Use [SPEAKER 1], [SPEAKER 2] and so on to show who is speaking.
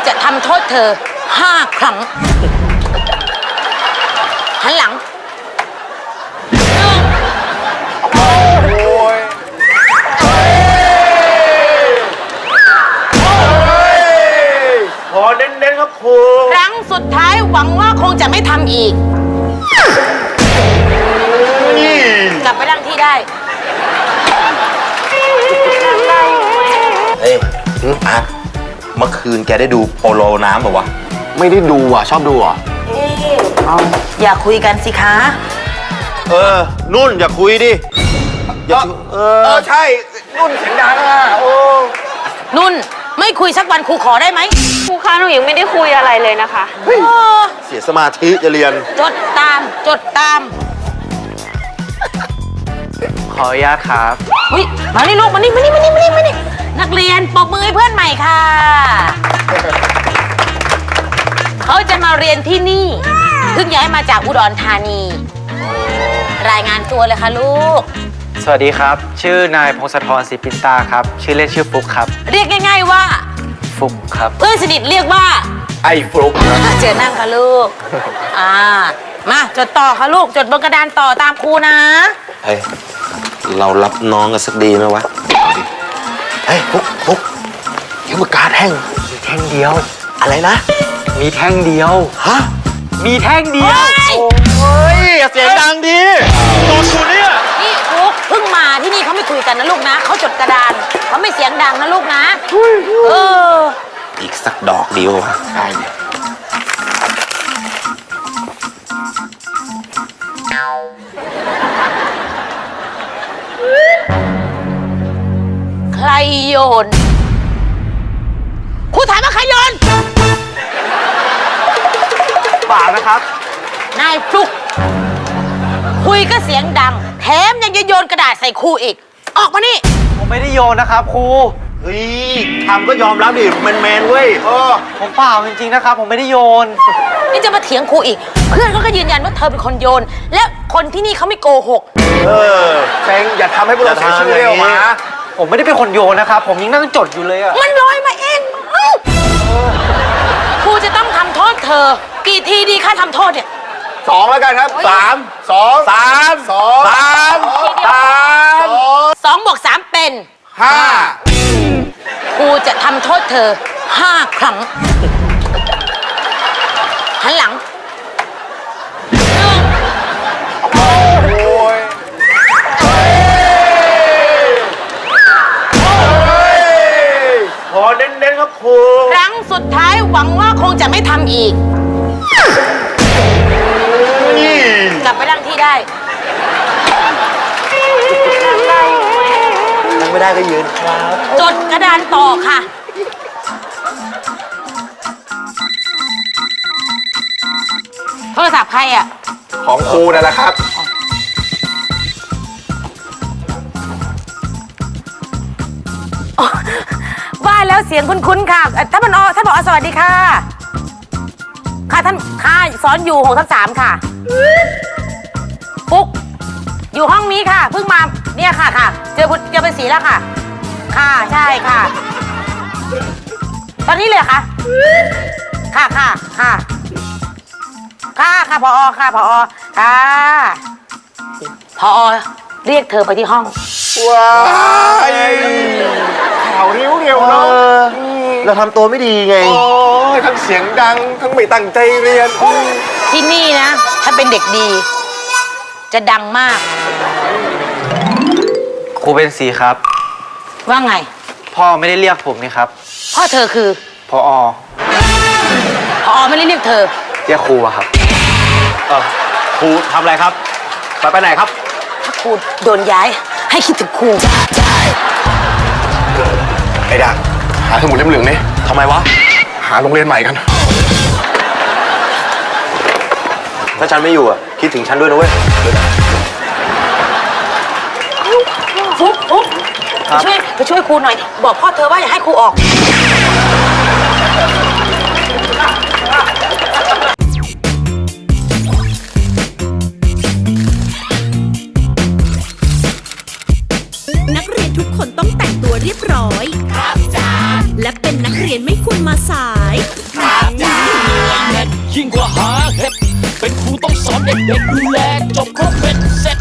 [SPEAKER 1] จะทำโทษเธอ5 ครั้งหันหลัง
[SPEAKER 2] ขอเน้นๆครับครู
[SPEAKER 1] ครั้งสุดท้ายหวังว่าคงจะไม่ทำอีกกลับไปนั่งที่ได้
[SPEAKER 3] เฮ้ยอ่ะเมื่อคืนแกได้ดูโปโลน้ำป่าวะ
[SPEAKER 2] ไม่ได้ดูอ่ะชอบดูอ่ะ
[SPEAKER 1] อย่าคุยกันสิคะ
[SPEAKER 3] นุ่นอย่าคุยดิอย่า
[SPEAKER 2] ใช่นุ่นเสียงดังอ่ะโอ้
[SPEAKER 1] นุ่นไม่คุยสักวันครูขอได้ไหม
[SPEAKER 4] ครูคะหนูยังไม่ได้คุยอะไรเลยนะคะ
[SPEAKER 3] เสียสมาธิจะเรียน
[SPEAKER 1] จดตาม
[SPEAKER 2] ขออนุญาตครับ
[SPEAKER 1] อุ๊ยมานี่ลูกมานี่นักเรียนปรบมือให้เพื่อนใหม่ค่ะเขาจะมาเรียนที่นี่เพิ่งย้ายมาจากอุดรธานี รายงานตัวเลยค่ะลูก
[SPEAKER 5] สวัสดีครับ ชื่อนายพงศธรศรีปินตาครับ ชื่อเล่นชื่อฟุกครับ
[SPEAKER 1] เรียกง่ายๆว่า
[SPEAKER 5] ฟุกครับ
[SPEAKER 1] เพื่อนสนิทเรียกว่า
[SPEAKER 2] ไอ้ฟลุ๊ก
[SPEAKER 1] เจอนั่งค่ะลูกมาจดต่อค่ะลูกจดบนกระดานต่อตามครูนะ
[SPEAKER 3] เฮ้ย เรารับน้องกันสักดีไหมวะ เฮ้ยปุ๊กเขียนปากกาแท่ง
[SPEAKER 5] มีแท่งเดียว
[SPEAKER 3] อะไรนะ
[SPEAKER 5] มีแท่งเดียว
[SPEAKER 3] ฮะ
[SPEAKER 5] มีแท่งเดียว
[SPEAKER 3] เฮ้ยอย่าเสียงดังดิโดนกูเนี่ย
[SPEAKER 1] นี่ฟุกเพิ่งมาที่นี่เขาไม่คุยกันนะลูกนะเขาจดกระดานเขาไม่เสียงดังนะลูกนะ
[SPEAKER 3] อีกสักดอกเดียววะได้
[SPEAKER 1] ใครโยนครูถามว่าใครโยน
[SPEAKER 5] เปล่านะครับ
[SPEAKER 1] นายฟลุกคุยก็เสียงดังแถมยังจะโยนกระดาษใส่ครูอีกออกมานี่
[SPEAKER 5] ผมไม่ได้โยนนะครับครู
[SPEAKER 3] เฮ้ยทำก็ยอมรับดิแมนเว้ย
[SPEAKER 5] ผมเปล่าจริงๆนะครับ ผมไม่ได้โยน
[SPEAKER 1] นี่จะมาเถียงครูอีก เพื่อนเขาก็ยืนยันว่าเธอเป็นคนโยน และคนที่นี่เขาไม่โกหก
[SPEAKER 2] เซ็งอย่าทำให้พวกเราเสียชื่อเรียกออกมา
[SPEAKER 5] ผมไม่ได้เป็นคนโยนนะครับ ผมยังนั่งจดอยู่เลยอะ
[SPEAKER 1] มันลอยมาเองครูจะต้องทำโทษเธอ กี่ทีดีค่าทำโทษเนี่ย
[SPEAKER 2] 2แล้วกันครับ3
[SPEAKER 1] 2 บวก 3 เป็น
[SPEAKER 2] 5
[SPEAKER 1] ครูจะทำโทษเธอ5 ครั้งหันหลัง
[SPEAKER 2] ขอเน้นๆครับครู
[SPEAKER 1] ครั้งสุดท้ายหวังว่าคงจะไม่ทำอีกกลับไปนั่งที่ได้
[SPEAKER 3] นั่งไม่ได้ก็ยืนครับ
[SPEAKER 1] จดกระดานต่อค่ะ โทรศัพท์ใครอ่ะ
[SPEAKER 2] ของครูนั่นแหละครับ
[SPEAKER 1] ว่าแล้วเสียงคุ้นๆค่ะท่านผอสวัสดีค่ะ ค่ะท่านค่ะสอนอยู่6/3ค่ะปุ๊กอยู่ห้องนี้ค่ะ เพิ่งมาเนี่ยค่ะเจอเป็นสีแล้วค่ะค่ะใช่ค่ะ ตอนนี้เลยค่ะค่ะผอค่ะผอค่ะผอเรียกเธอไปที่ห้อง
[SPEAKER 2] ว้ายข่าวเร็วๆเนาะ
[SPEAKER 3] เราทำตัวไม่ดีไง
[SPEAKER 2] โอ้ยทั้งเสียงดังทั้งไม่ตั้งใจเรียน
[SPEAKER 1] ที่นี่นะ ถ้าเป็นเด็กดี จะดังมาก
[SPEAKER 5] ครูเป็นสีครับ
[SPEAKER 1] ว่าไง
[SPEAKER 5] พ่อไม่ได้เรียกผมนี่ครับ
[SPEAKER 1] พ่อเธอคือ
[SPEAKER 5] พอ
[SPEAKER 1] พอไม่ได้เรียกเธอ
[SPEAKER 5] เรียกครูอะครับ
[SPEAKER 3] ครูทำอะไรครับ ไปไหนครับ
[SPEAKER 1] ถ้าครูโดนย้าย ให้คิดถึงครู
[SPEAKER 2] ไอ้ดักหาสมุดเล่มเหลืองนี่
[SPEAKER 3] ทำไมวะ
[SPEAKER 2] หาโรงเรียนใหม่กัน
[SPEAKER 3] ถ้าฉันไม่อยู่อ่ะ คิดถึงฉันด้วยนะเว้ย
[SPEAKER 1] ฟุ๊กไปช่วยครูหน่อย บอกพ่อเธอว่าอย่าให้ครูออก
[SPEAKER 6] นักเรียนทุกคนต้องแต่งตัวเรียบร้อย ครับจ้าและเป็นนักเรียนไม่ควรมาสาย
[SPEAKER 7] ยิ่งกว่าหาเห็ดเป็นครูต้องสอนเด็กๆดูแลจบครบเป็นเสร็จ